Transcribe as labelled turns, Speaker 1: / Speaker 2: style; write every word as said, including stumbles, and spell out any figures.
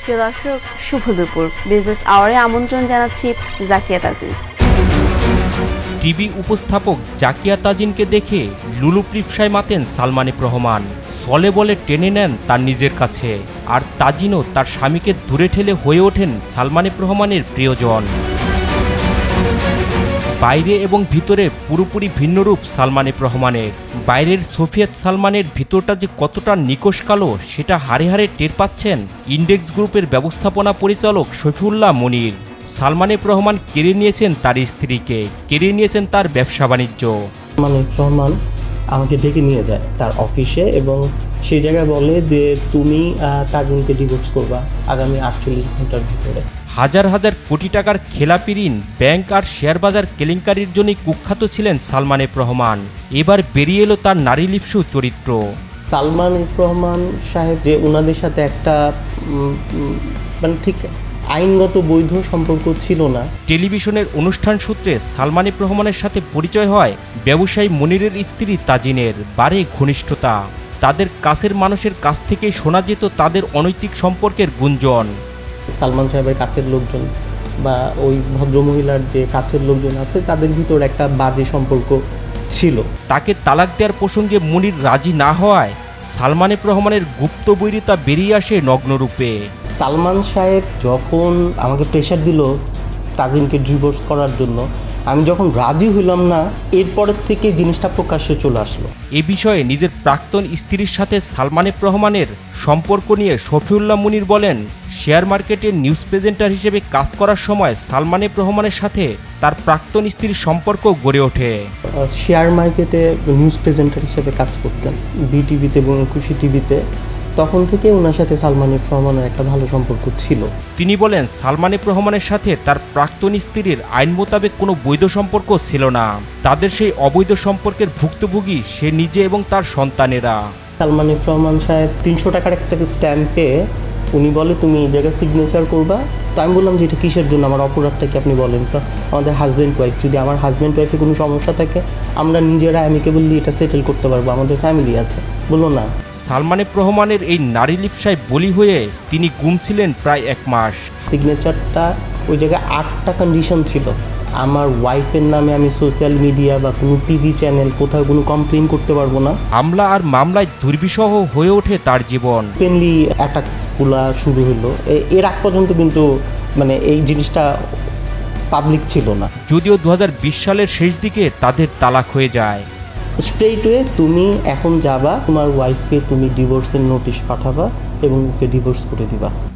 Speaker 1: প্রিয় দর্শক, শুভ দুপুর। বিজনেস আওয়ারে আমন্ত্রণ জানাচ্ছি জাকিয়া তাজিন।
Speaker 2: টিভি উপস্থাপক জাকিয়া তাজিনকে দেখে লুলুপ্রিপসায় মাতেন সালমান এফ রহমান। ছলে বলে টেনে নেন তার নিজের কাছে, আর তাজিনও তার স্বামীকে দূরে ঠেলে হয়ে ওঠেন সালমান এফ রহমানের প্রিয়জন। বাইরে এবং ভিতরে পুরোপুরি ভিন্নরূপ সালমান এফ রহমানের। বাইরের সোফিয়াত সালমানের ভিতরটা যে কতটা নিকশ কালো সেটা হাড়ে হাড়ে টের পাচ্ছেন ইন্ডেক্স গ্রুপের ব্যবস্থাপনা পরিচালক শফিউল্লাহ মনির। সালমান এফ রহমান কেড়ে নিয়েছেন তার স্ত্রীকে, কেড়ে নিয়েছেন তার ব্যবসা বাণিজ্য।
Speaker 3: সালমান এফ রহমান আমাকে ডেকে নিয়ে যায় তার অফিসে এবং সেই জায়গায় বলে যে তুমি তাজিনকে ডিভোর্স করবা আগামী আটচল্লিশ ঘন্টার ভিতরে।
Speaker 2: হাজার হাজার কোটি টাকার খেলাপি ঋণ, ব্যাংক আর শেয়ার বাজার কেলেঙ্কারির জন্যই কুখ্যাত ছিলেন সালমান এফ রহমান। এবার বেরিয়ে এলো তার নারীলিপ্সু চরিত্র।
Speaker 3: সালমান এফ রহমান সাহেব যে ওনাদের সাথে একটা মানে ঠিক আইনগত বৈধ সম্পর্ক ছিল না।
Speaker 2: টেলিভিশনের অনুষ্ঠান সূত্রে সালমান এফ রহমানের সাথে পরিচয় হয় ব্যবসায়ী মনিরের স্ত্রী তাজিনের। বাড়ে ঘনিষ্ঠতা, তাদের কাছের মানুষের কাছ থেকেই শোনা যেত তাদের অনৈতিক সম্পর্কের গুঞ্জন।
Speaker 3: সালমান সাহেবের কাছের লোকজন বা ওই ভদ্রমহিলার যে কাছের লোকজন আছে তাদের ভিতর একটা বাজে সম্পর্ক ছিল।
Speaker 2: তাকে তালাক দেওয়ার প্রসঙ্গে মনির রাজি না হওয়ায় সালমান এফ রহমানের গুপ্ত বৈরিতা বেরিয়ে আসে নগ্নরূপে।
Speaker 3: সালমান সাহেব যখন আমাকে প্রেশার দিল তাজিনকে ডিভোর্স করার জন্য, আমি যখন রাজি হইলাম না, এরপরের থেকে জিনিসটা প্রকাশ্যে চলে আসলো।
Speaker 2: এ বিষয়ে নিজের প্রাক্তন স্ত্রীর সাথে সালমান এফ রহমানের সম্পর্ক নিয়ে শফিউল্লাহ মনির বলেন, শেয়ার মার্কেটের নিউজ প্রেজেন্টার হিসেবে কাজ করার সময় সালমান এফ রহমানের সাথে তার প্রাক্তন স্ত্রীর সম্পর্ক গড়ে ওঠে।
Speaker 3: শেয়ার মার্কেটে নিউজ প্রেজেন্টার হিসেবে কাজ করতেন বিটিভিতে এবং একুশে টিভিতে। তখন থেকে ওনার সাথে সালমান এফ রহমানের একটা ভালো সম্পর্ক ছিল।
Speaker 2: তিনি বলেন, সালমান এফ রহমানের সাথে তার প্রাক্তন স্ত্রীর আইন মোতাবেক কোনো বৈধ সম্পর্ক ছিল না। তাদের সেই অবৈধ সম্পর্কের ভুক্তভোগী সে নিজে এবং তার সন্তানেরা।
Speaker 3: সালমান এফ রহমান সাহেব তিনশো টাকার একটা স্ট্যাম্পে উনি বলে তুমি এই জায়গায় সিগনেচার করবা। তো আমি বললাম যে এটা কিসের জন্য, আমার অপরাধটা কি আপনি বলেন। তো আমাদের হাজব্যান্ড ওয়াইফ, যদি আমার হাজব্যান্ড ওয়াইফে কোনো সমস্যা থাকে আমরা নিজেরা অ্যামিকেবলি এটা সেটেল করতে পারবো, আমাদের ফ্যামিলি আছে। বললো না।
Speaker 2: সালমান এফ রহমানের এই নারী লিপ্সায় বলি হয়ে তিনি গুম ছিলেন প্রায় এক মাস।
Speaker 3: সিগনেচারটা ওই জায়গায় আটটা কন্ডিশন ছিল। আমার ওয়াইফের নামে আমি সোশ্যাল মিডিয়া বা কোনো টিভি চ্যানেল কোথাও কোনো কমপ্লেন করতে পারবো না।
Speaker 2: হামলা আর মামলায় দুর্বিষহ হয়ে ওঠে তার জীবন।
Speaker 3: ওপেনলি অ্যাটাকগুলা শুরু হলো। এর আগ পর্যন্ত কিন্তু মানে এই জিনিসটা পাবলিক ছিল না।
Speaker 2: যদিও দু হাজার বিশ সালের শেষ দিকে তাদের তালাক হয়ে যায়।
Speaker 3: স্ট্রেইটওয়ে তুমি এখন যাবা, তোমার ওয়াইফকে তুমি ডিভোর্সের নোটিশ পাঠাবা এবং ওকে ডিভোর্স করে দিবা।